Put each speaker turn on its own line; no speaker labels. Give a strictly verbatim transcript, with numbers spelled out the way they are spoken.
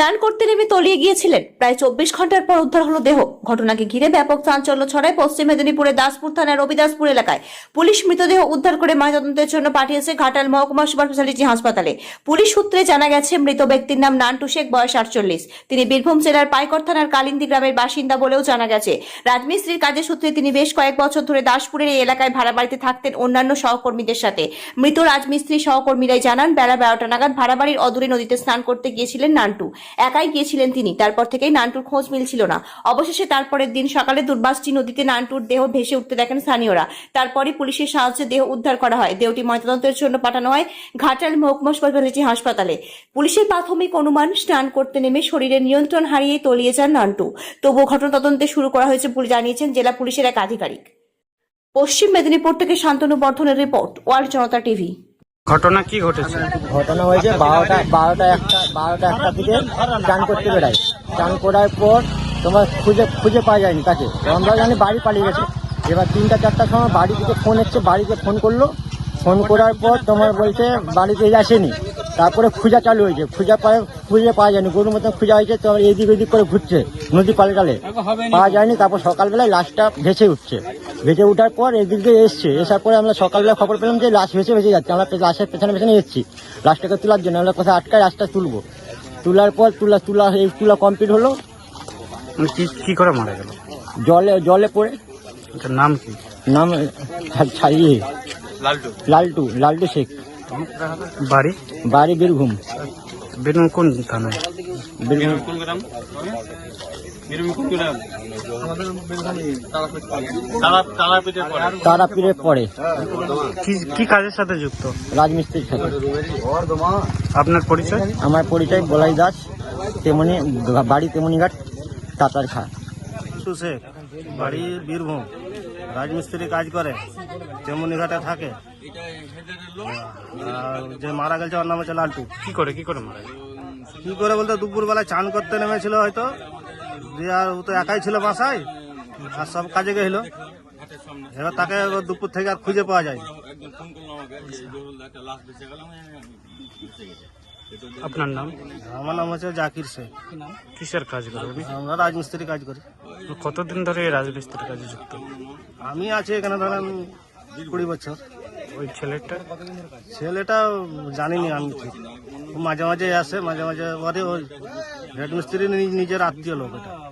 স্নান করতে নেমে তলিয়ে গিয়েছিলেন। প্রায় চব্বিশ ঘন্টার পর উদ্ধার হলো দেহ। ঘটনাকে ঘিরে ব্যাপক চাঞ্চল্য ছড়ায় পশ্চিম মেদিনীপুরের দাসপুর থানার রবিদাসপুর এলাকায়। পুলিশ মৃতদেহ উদ্ধার করে ময়নাতদন্তের জন্য পাঠিয়েছে ঘাটাল মহকুমা সুপার স্পেশালিটি হাসপাতালে। পুলিশ সূত্রে জানা গেছে, মৃত ব্যক্তির নাম নান্টু শেখ, বয়স আটচল্লিশ। তিনি বীরভূম জেলার পাইকর থানার কালিন্দী গ্রামের বাসিন্দা বলেও জানা গেছে। রাজমিস্ত্রির কাজের সূত্রে তিনি বেশ কয়েক বছর ধরে দাসপুরের এই এলাকায় ভাড়া বাড়িতে থাকতেন অন্যান্য সহকর্মীদের সাথে। মৃত রাজমিস্ত্রি সহকর্মীরাই জানান, বেলা বারোটা নাগাদ ভাড়া বাড়ির অদূরে নদীতে স্নান করতে গিয়েছিলেন নান্টু। একাই গিয়েছিলেন তিনি। তারপর থেকেই নান্টুর খোঁজ মিলছিল না। অবশেষে তারপরের দিন সকালে দুর্বাসটি নদীতে নান্টুর দেহ ভেসে উঠতে দেখেন স্থানীয়রা। তারপরই পুলিশের সাহায্যে দেহ উদ্ধার করা হয়। দেহটি ময়নাতদন্তের জন্য পাঠানো হয় ঘাটাল মহকুমা স্পেশালিটি হাসপাতালে। পুলিশের প্রাথমিক অনুমান, স্নান করতে নেমে শরীরের নিয়ন্ত্রণ হারিয়ে তলিয়ে যান নান্টু। তবুও ঘটনা তদন্তে শুরু করা হয়েছে বলে জানিয়েছেন জেলা পুলিশের এক আধিকারিক। পশ্চিম মেদিনীপুর থেকে শান্তনু বর্ধনের রিপোর্ট, ওয়ার্ল্ড জনতা টিভি।
ঘটনা কি ঘটেছে?
ঘটনা হয়েছে বারোটা বারোটা একটা বারোটা একটা দিকে চান করতে বেড়াই। চান করার পর তোমার খুঁজে খুঁজে পাওয়া যায়নি তাকে। আমরা জানি বাড়ি পালিয়ে গেছে। এবার তিনটা চারটার সময় বাড়ি থেকে ফোন এসছে, বাড়িতে ফোন করলো। ফোন করার পর তোমার বলছে বাড়িতে আসেনি। তারপরে খুঁজা চালু হয়েছে। খুঁজা পায় খুঁজে পাওয়া যায়নি, গরুর মতন খুঁজা হয়েছে। তো এদিক ওদিক করে ঘুরছে নদী পালে টালে, পাওয়া যায়নি। তারপর সকালবেলায় লাশটা ভেসে উঠছে। ভেসে উঠার পর এদিক দিয়ে এসছে। এসার পরে আমরা সকালবেলা খবর পেলাম যে লাশ ভেসে ভেসে যাচ্ছে। আমরা লাশের পেছনে পেছনে এসেছি লাশটাকে তোলার জন্য। আমরা কোথায় আটকায় লাশটা তুলবো। তোলার পর তুলা তুলা এই তুলা কমপ্লিট হলো।
কি করে মারা গেল?
জলে জলে পড়ে।
নাম কি?
নাম ছাড়িয়ে লালটু লালটু লালটু শেখ।
বাড়ি?
বাড়ি বীরভূম।
বীরভূম কোন থানায়?
বীরভূম তারাপীঠে পড়ে।
কি কাজের সাথে যুক্ত?
রাজমিস্ত্রির সাথে।
আপনার পরিচয়?
আমার পরিচয় বলাই দাস, তেমনি বাড়ি তেমনিঘাট তাতার খা।
শেখ, বাড়ি বীরভূম, রাজমিস্ত্রি কাজ করে, তেমনিঘাটে থাকে। আর যে মারা গেছে ওর নাম হচ্ছে লালটু।
কি করে কি করে মারা গেল?
কি করে বলতে দুপুরবেলায় চান করতে নেমেছিল হয়তো, দিয়ে আর ও তো একাই ছিল বাসায়, আর সব কাজে গেছিল। এবার তাকে দুপুর থেকে আর খুঁজে পাওয়া যায়।
আপনার নাম?
আমার নাম হচ্ছে জাকির শেখ।
কিসের কাজ করে উনি?
আমরা রাজমিস্ত্রি কাজ করি।
কতদিন ধরে এই রাজমিস্ত্রির কাজে যুক্ত?
আমি আছি এখানে ধরেন কুড়ি বছর।
ওই ছেলেটা?
ছেলেটা জানিনি আমি ঠিক। ও মাঝে মাঝে আসে, মাঝে মাঝে পরে ওই রাজমিস্ত্রি নিজের আত্মীয় লোক এটা।